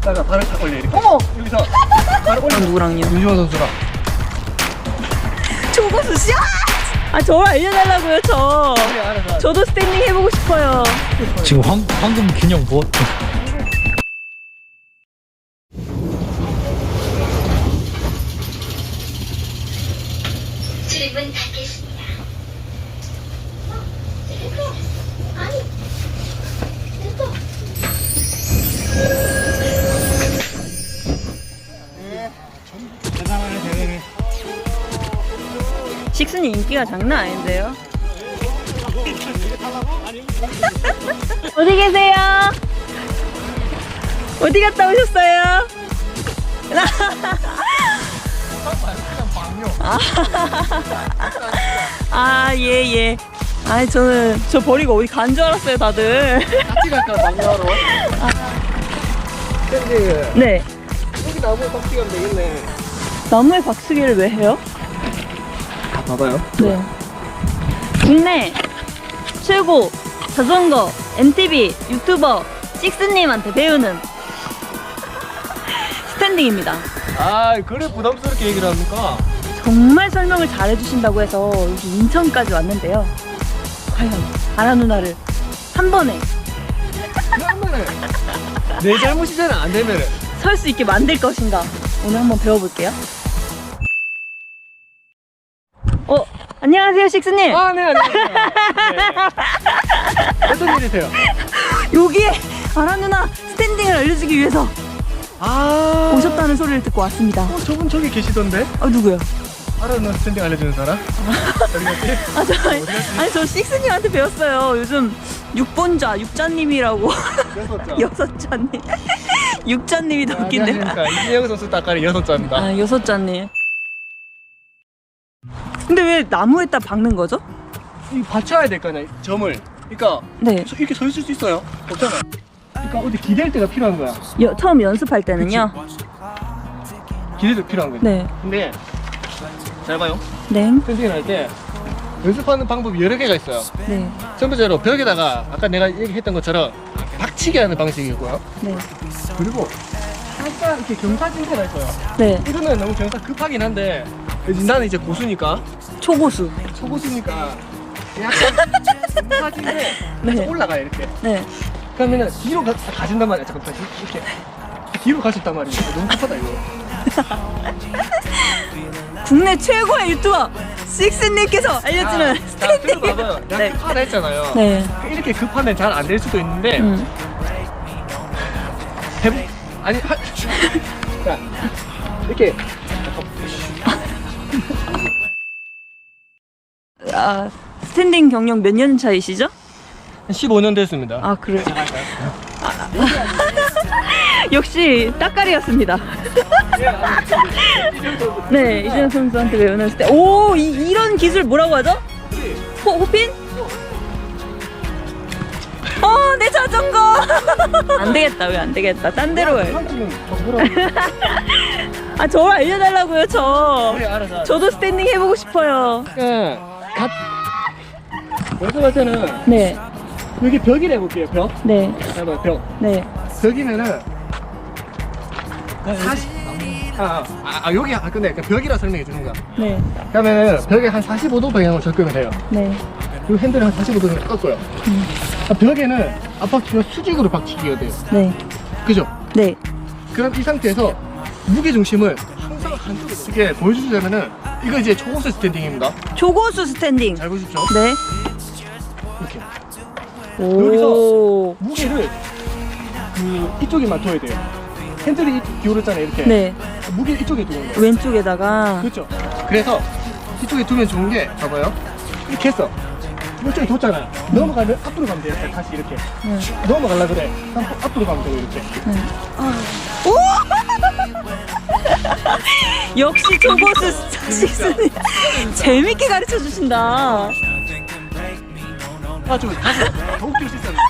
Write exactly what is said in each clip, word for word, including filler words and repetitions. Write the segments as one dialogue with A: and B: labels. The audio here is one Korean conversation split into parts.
A: 다가 발을 탁 올려 이렇게.
B: 어머!
A: 여기서 발을 올려.
B: 누구랑요?
A: 윤주원 선수랑.
B: 초고수 씨! 아 저를 알려달라고요 저.
A: 그래, 알아서.
B: 저도 스탠딩 해보고 싶어요.
C: 지금 황, 황금 균형 뭐?
D: 출입은 닫겠습니다. 아니, 됐어.
A: 대단하네, 대단해.
B: 식순이 인기가 장난 아닌데요? 어디 계세요? 어디 갔다 오셨어요? 아, 예, 예. 아니, 저는 저 버리고 어디 간 줄 알았어요, 다들.
A: 같이 갈까, 막내하러? 근데
B: 네.
A: 여기 나무에 박치 가면 되겠네.
B: 나무에 박수기를 왜 해요?
A: 아, 봐봐요.
B: 네. 국내 최고 자전거 엠티비 유튜버 식스님한테 배우는 스탠딩입니다.
A: 아, 그래 부담스럽게 얘기를 합니까?
B: 정말 설명을 잘 해주신다고 해서 여기 인천까지 왔는데요. 과연 아라 누나를 한 번에
A: 그러면은 내 잘못이잖아. 안 되면은.
B: 설 수 있게 만들 것인가 오늘 한번 배워볼게요. 어, 안녕하세요 식스님.
A: 아, 네, 안녕하세요. 네. 어떤 일이세요?
B: 여기에 아라 누나 스탠딩을 알려주기 위해서
A: 아,
B: 오셨다는 소리를 듣고 왔습니다.
A: 어, 저분 저기 계시던데?
B: 아 누구요?
A: 알아는 스탠딩 알려주는 사람? 어디 갔지?
B: 아, 저, 아니, 아니, 저 식스님한테 배웠어요. 요즘 육본자, 육자님이라고.
A: 여섯 자.
B: 여섯자님. 육자님이 더 웃긴데.
A: 안녕하십니까. 이진영 선수 따까리 여섯 자입니다.
B: 아, 여섯자님. 근데 왜 나무에다 박는 거죠?
A: 이거 받쳐야 될 거 아니야, 점을. 그러니까
B: 네.
A: 서- 이렇게 서 있을 수 있어요. 없잖아. 그러니까 어디 기댈 때가 필요한 거야.
B: 여, 처음 연습할 때는요?
A: 기댈 때 필요한 거지.
B: 네.
A: 근데 잘 봐요.
B: 네.
A: 스탠딩을 할 때 연습하는 방법이 여러 개가 있어요.
B: 네.
A: 첫 번째로 벽에다가 아까 내가 얘기했던 것처럼 박치기 하는 방식이고요.
B: 네.
A: 그리고 약간 이렇게 경사진대가 있어요.
B: 네.
A: 이거는 너무 경사 급하긴 한데 나는 이제 고수니까
B: 초고수.
A: 초고수니까 약간 경사진대
B: 네.
A: 올라가요 이렇게.
B: 네.
A: 그러면은 뒤로 가, 가진단 말이야. 잠깐 다시 이렇게 뒤로 가셨단 말이야. 너무 급하다 이거.
B: 국내 최고의 유튜버 식스님께서 알려주는
A: 아, 자,
B: 스탠딩.
A: 그리고 봐봐요. 내가
B: 네.
A: 급하다 했잖아요.
B: 네.
A: 이렇게 급하면 잘 안 될 수도 있는데
B: 음.
A: 해보 아니 하... 자 이렇게
B: 아, 스탠딩 경력 몇 년 차이시죠?
A: 십오 년 됐습니다.
B: 아, 그래요? 역시 따까리였습니다. 네, 이재현 선수한테 배우는 스텝. 오, 이, 이런 기술 뭐라고 하죠? 호, 호핀? 어, 내 자전거! 안 되겠다, 왜 안 되겠다. 딴 데로 해. 아, 저를 알려달라고요, 저.
A: 그래, 알았어, 알았어.
B: 저도 스탠딩 해보고 싶어요.
A: 예, 갓 연습할 때는
B: 네,
A: 여기 벽이라 해볼게요. 벽.
B: 네,
A: 봐봐 벽.
B: 네,
A: 벽이면은 사십. 아, 아, 아 여기 아 근데 벽이라 설명해 주는 거야.
B: 네,
A: 그러면은 벽에 한 사십오 도 방향으로 접근을 해요.
B: 네.
A: 그리고 핸들을 한 사십오 도 정도 꺾어요.
B: 음.
A: 아, 벽에는 앞바퀴가 수직으로 박치기가 돼요.
B: 네,
A: 그죠?
B: 네.
A: 그럼 이 상태에서 무게 중심을 항상 한쪽으로 이렇게 보여주자면은 이거 이제 초고수 스탠딩입니다.
B: 초고수 스탠딩.
A: 잘 보십시오.
B: 네.
A: 이렇게
B: 오.
A: 무게를 그 이쪽에만 둬야 돼요. 핸들이 기울었잖아요. 이렇게.
B: 네.
A: 무게 이쪽에 두는 거예요.
B: 왼쪽에다가.
A: 그렇죠. 그래서 이쪽에 두면 좋은 게 봐봐요. 이렇게 했어. 이쪽에 뒀잖아요. 넘어가면 앞으로 가면 돼요. 다시 이렇게.
B: 네.
A: 넘어가려 그래. 그럼 앞으로 가면 되고 이렇게.
B: 네. 오! 역시 초고수 식스님 재밌게 가르쳐 주신다.
A: 아, 좀 다시 더 웃길 수 있었는데.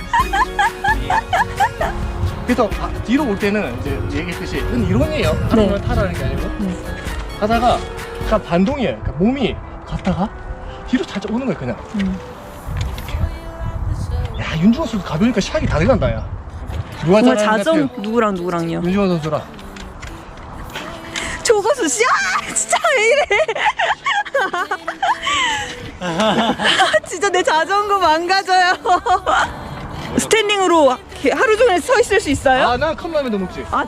A: 그래서 아, 뒤로 올 때는 이제 얘기했듯이 이건 이론이에요. 하는 걸 타라는 게 아니고.
B: 네.
A: 가다가 그냥 반동이에요. 그러니까 몸이 갔다가 뒤로 살짝 오는 거예요, 그냥.
B: 음.
A: 야, 윤중원 선수 가벼우니까 샥이 다 들어간다, 야. 누가
B: 정말
A: 잘하는 것
B: 자정
A: 같아요?
B: 누구랑 누구랑요?
A: 윤지원 선수랑.
B: 조거수 씨, 아 진짜 왜 이래? 진짜 내 자전거 망가져요. 스탠딩으로 이렇게 하루 종일 서 있을 수 있어요?
A: 아, 난 컵라면도 먹지.
B: 아,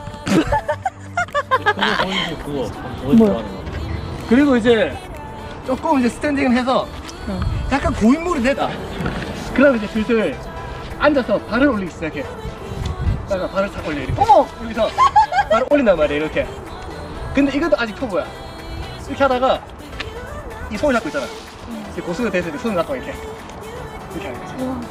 C: 그거
B: 뭐야?
A: 그리고 이제 조금 이제 스탠딩을 해서
B: 어.
A: 약간 고인물이 되다. 그러면 이제 슬슬 앉아서 발을 올리기 시작해. 내가 발을 탁 올려 이렇게.
B: 어머!
A: 여기서 발을 올린단 말이야 이렇게. 근데 이것도 아직 초보야. 이렇게 하다가 이 손을 잡고 있잖아. 이제 고수가 됐을 때 손을 잡고 이렇게 이렇게 하는 거지.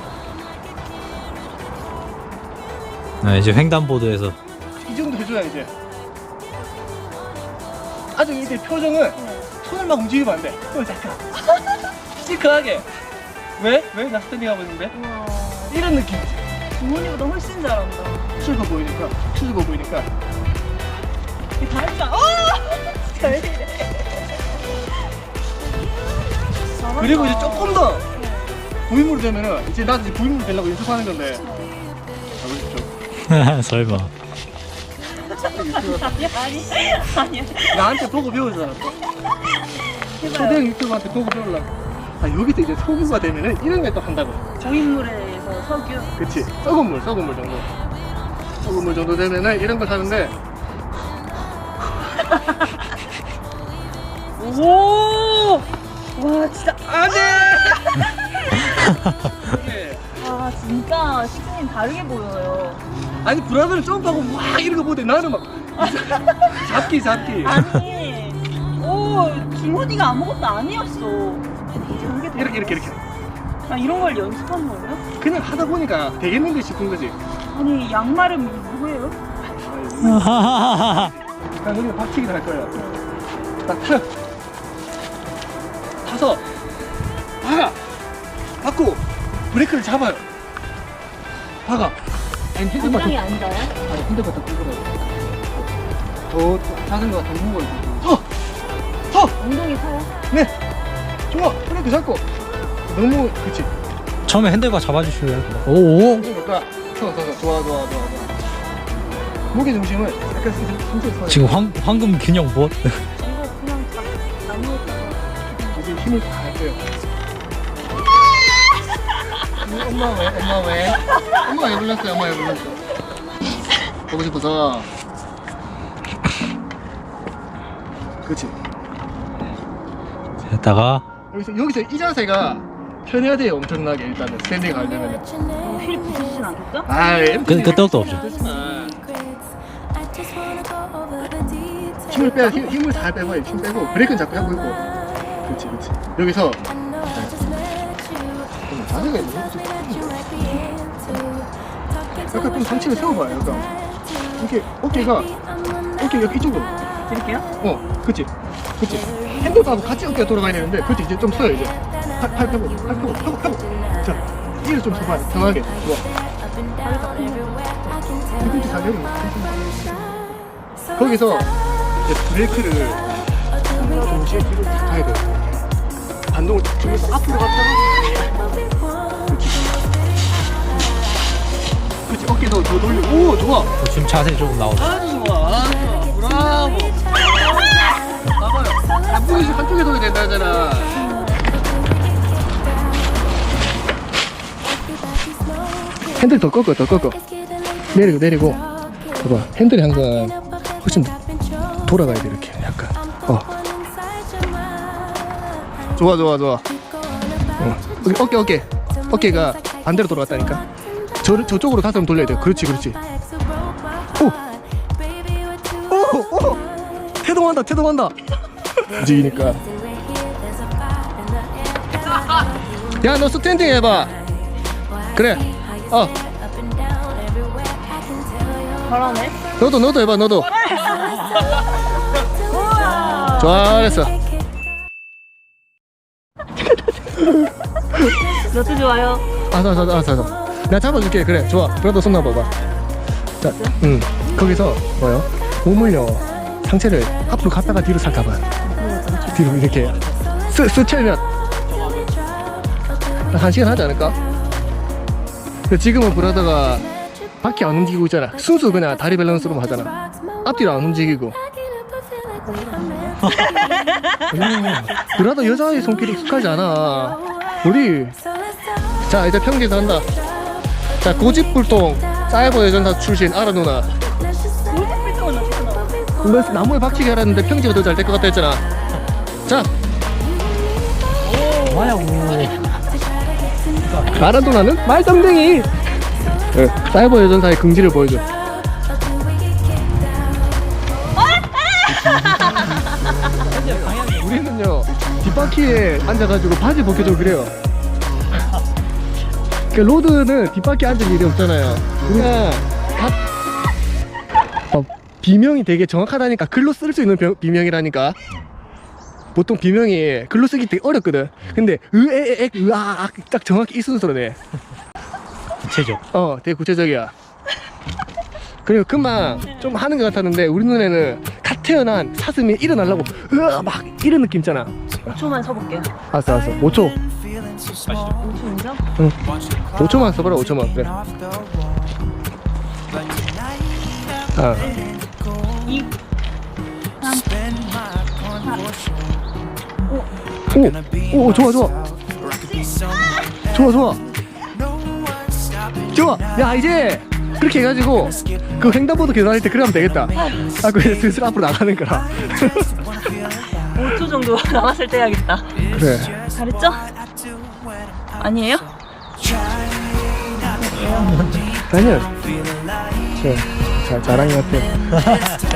C: 아, 이제 횡단보도에서
A: 이 정도 해줘야 이제. 아주 이제 표정은 손을 막 움직이면 안 돼. 손을 잠깐. 시크하게. 왜? 왜? 나 스탠딩 하고 있는데?
B: 우와.
A: 이런 느낌이지.
B: 부모님보다 훨씬 잘한다.
A: 추워 보이니까, 추워 보이니까.
B: 이 다리가, 어! 진짜 왜 이래. 잘한다.
A: 그리고 이제 조금 더 고인물이 되면은 이제 나도 이제 고인물 되려고 연습하는 건데. 가보십시오.
C: 설마.
B: 아니, 아니, 아니야.
A: 나한테 보고 배우잖아. 또.
B: 해봐요.
A: 초대형 유튜브한테 보고 배우려고. 아, 여기서 이제 소규가 되면은 이런 걸 또 한다고.
B: 고인물에서 석유.
A: 그치. 썩은 물, 썩은 물 정도. 썩은 물 정도 되면은 이런 걸 하는데.
B: 오! 와, 진짜.
A: 안 돼! 이게
B: 아, 진짜 시즌이 다르게 보여요.
A: 아니, 브라더를 점프하고 막 이런 거 보는데 나는 막. 잡기, 잡기.
B: 아니, 오, 김호디가 아무것도 아니었어. 이제 하게 돼.
A: 이렇게, 이렇게, 이렇게.
B: 아, 이런 걸 연습한 거예요?
A: 그냥 하다 보니까 되겠는데 싶은 거지.
B: 아니, 양말은 누구예요?
A: 그냥 우리가 박치기를 할 거예요. 딱 타. 타서 박아. 박고 브레이크를 잡아요. 박아. 아니, 핸들만 더,
B: 앉아요?
A: 아니, 핸들만 더 끌고 더 자전거가 더 무거워요. 서! 서!
B: 엉덩이 서요?
A: 네! 좋아! 브레이크 잡고. 너무, 그치.
C: 처음에 핸들바 잡아주실래요? 오오.
A: 그러니까 서, 서, 서. 좋아, 좋아, 좋아, 좋아. 무게 중심을 약간 천천히 서요.
C: 지금 황, 황금 균형 뭐?
B: 이거 그냥 다 아무것도
A: 지금 힘을 다 할 거예요. 엄마 왜? 엄마 왜? 엄마 왜 불렀어요? 엄마 왜 불렀어? 보고 싶어서. 그렇지.
C: 했다가
A: 여기서 여기서 이 자세가 편해야 돼요. 엄청나게 일단은 스탠딩 하려면.
B: 어, 휠 부딪히진 않겠죠?
A: 아,
C: 그 끄떡도 없죠.
A: 힘을 빼야 힘, 힘을 잘 빼고 힘 빼고 브레이크는 잡고 하고 있고. 그렇지, 그렇지. 여기서 자세가 있네. 약간 좀 상체를 세워봐요. 약간 이렇게 어깨가 어깨 여기 이쪽으로.
B: 드릴게요?
A: 어, 그치, 그치. 핸들하고 같이 어깨가 돌아가야 되는데, 그치, 이제 좀 서요, 이제. 팔, 팔 펴고, 팔 펴고, 펴고, 펴고. 자, 이를 좀 서봐, 편하게. 좋아. 뒤꿈치 잘 내리고. 거기서 이제 브레이크를 동시에 뒤로 탁 가야 돼. 반동을 딱 주면서 앞으로 갔다가. 그치. 그치, 어깨도 더 돌리고. 오, 좋아.
C: 어, 지금 자세 조금 나오죠.
A: 아주 좋아, 아주 좋아. 브라보. 봐봐요. 앞으로 한쪽에 돌려야 된다 하잖아. 핸들 더 꺾어, 더 꺾어. 내리고, 내리고. 봐봐. 핸들이 항상 훨씬 돌아가야 돼, 이렇게. 약간. 어. 좋아, 좋아, 좋아. 어. 어깨, 어깨. 어깨가 반대로 돌아갔다니까. 저, 저쪽으로 다시 한번 돌려야 돼. 그렇지, 그렇지. 오! 오! 오! 태동한다, 태동한다. 움직이니까. 야, 너 스탠딩 해봐. 그래. 어.
B: 잘하네.
A: 너도, 너도 해봐, 너도.
B: 우와.
A: 잘했어.
B: 너도 좋아요.
A: 알았어, 알았어, 알았어, 알았어. 내가 잡아줄게. 그래, 좋아. 그래도 손 놔봐봐. 자, 응. 거기서 뭐요? 몸을요, 상체를 앞으로 갔다가 뒤로 살 가봐요. 뒤로 이렇게 스, 스치면 한 시간 하지 않을까? 근데 지금은 브라더가 바퀴 안 움직이고 있잖아. 순수 그냥 다리 밸런스로만 하잖아. 앞뒤로 안 움직이고. 그래도 여자의 손길이 익숙하지 않아. 우리 자 이제 평지에서 한다. 자 고집불통 사이버 여전사 출신 아라 누나.
B: 골프필터는 어떻게 나와?
A: 너 나무에 박치기 하라는데 평지가 더 잘 될 것 같다 했잖아. 자
C: 뭐야, 오.
A: 아라 누나는 말썽쟁이. 네, 사이버 여전사의 긍지를 보여줘. 우리는요 뒷바퀴에 앉아가지고 바지 벗겨주고 그래요. 그 로드는 뒷바퀴에 앉을 일이 없잖아요. 그냥 다 어, 비명이 되게 정확하다니까. 글로 쓸 수 있는 병- 비명이라니까. 보통 비명이 글로 쓰기 되게 어렵거든. 근데 으에에엑 으아악 딱 정확히 이 순서로 돼.
C: 구체적.
A: 어 되게 구체적이야. 그리고 금방 좀 하는 것 같았는데 우리 눈에는 갓 태어난 사슴이 일어나려고 으아 막 이런 느낌 있잖아.
B: 오 초만 서볼게요.
A: 알았어 알았어 오 초.
B: 오 초인가?
A: 응. 오 초만 써봐라. 오 초만. 그래. 아.
B: 이,
A: 오, 오, 좋아, 좋아. 좋아, 좋아. 좋아. 야, 이제 그렇게 해가지고 그 횡단보도 계산할 때 그래 하면 되겠다. 아, 그래 슬슬 앞으로 나가는 거라.
B: 오 초 정도 남았을 때 해야겠다.
A: 그래.
B: 잘했죠? 아니에요?
A: 아니야. 그래. 잘, 잘한 것 같아.